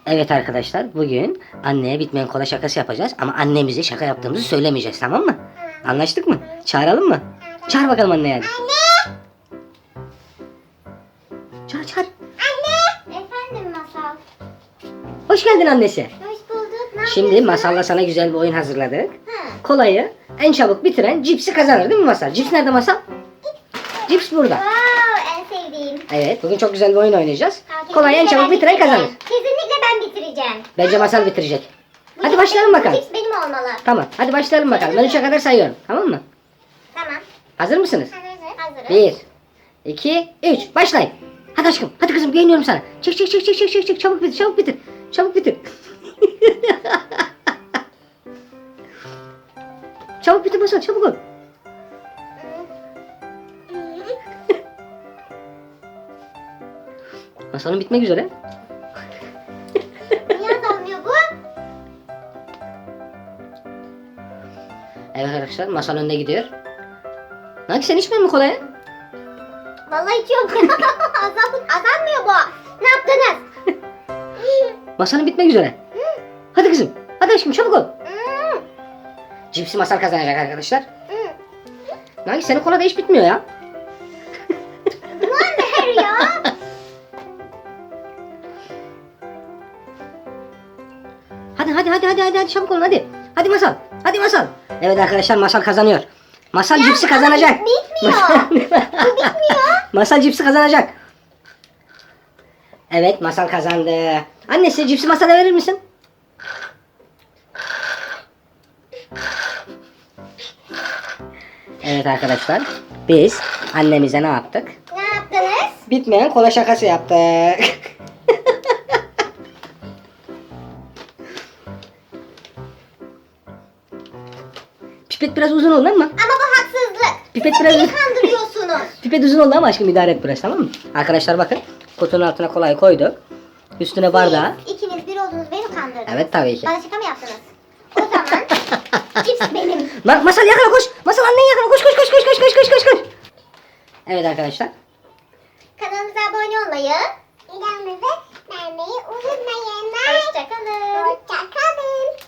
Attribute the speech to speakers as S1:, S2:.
S1: Evet arkadaşlar, bugün anneye bitmeyen kola şakası yapacağız ama annemize şaka yaptığımızı söylemeyeceğiz, tamam mı? Anlaştık mı? Çağıralım mı? Çağır bakalım anne yani.
S2: Anne!
S1: Çağır.
S2: Anne! Efendim Masal.
S1: Hoş geldin annesi.
S2: Hoş bulduk. Ne
S1: Şimdi
S2: yapıyorsun?
S1: Masal'la sana güzel bir oyun hazırladık.
S2: Ha.
S1: Kolayı en çabuk bitiren cipsi kazanır, değil mi Masal? Cips nerede Masal? Cips burada.
S2: Wow, en sevdiğim.
S1: Evet, bugün çok güzel bir oyun oynayacağız.
S2: Tamam,
S1: Kolayı en
S2: kesinlikle
S1: çabuk
S2: ben
S1: bitiren
S2: bitireceğim.
S1: kazanır.
S2: Kesinlikle ben bitireceğim.
S1: Bence Masal bitirecek.
S2: Bu
S1: Hadi
S2: cips
S1: başlayalım
S2: benim-
S1: bakalım.
S2: Bu cips benim olmalı.
S1: Tamam, hadi başlayalım bakalım. Ben 3'e kadar sayıyorum, tamam mı?
S2: Tamam.
S1: Hazır mısınız?
S2: Hazırız.
S1: 1, 2, 3. Başlayın. Hadi aşkım. Hadi kızım, güveniyorum sana. Çık. Çabuk bitir. Çabuk bitir. Çabuk bitir Masal, çabuk ol. Masalın bitmek üzere.
S2: Niye azalmıyor bu?
S1: Evet arkadaşlar, Masal önde gidiyor. Nanki sen içmiyor musun kolayı?
S2: Vallahi içiyorum. Azalmıyor bu. Ne yaptınız?
S1: Masalın bitmek üzere. Hadi kızım. Hadi aşkım, çabuk ol. Cipsi Masal kazanacak arkadaşlar. Nanki senin kola da hiç bitmiyor ya.
S2: Ver ya.
S1: Hadi çabuk olun hadi. Hadi Masal. Evet arkadaşlar, Masal kazanıyor. Masal cipsi kazanacak.
S2: Bitmiyor.
S1: Masal cipsi kazanacak. Evet, Masal kazandı. Annesi, cipsi Masal'a verir misin? Evet arkadaşlar, biz annemize ne yaptık?
S2: Ne yaptınız?
S1: Bitmeyen kola şakası yaptık. Pipet biraz uzun oldu ama.
S2: Ama bu haksızlık.
S1: Pipet
S2: Siz
S1: biraz-
S2: beni kandırıyorsunuz.
S1: Pipet uzun oldu ama aşkım, idare et biraz, tamam mı? Arkadaşlar bakın, kutunun altına kolayı koyduk. Üstüne bardağı.
S2: Siz ikiniz bir oldunuz, beni kandırdınız.
S1: Evet, tabii ki.
S2: Bana şaka mı yaptınız? O zaman cips benim.
S1: Masal yakala, koş. Masal annen yakala, koş. Evet arkadaşlar.
S2: Kanalımıza abone olmayı, videomuzu beğenmeyi unutmayın. Hoşçakalın. Hoşçakalın.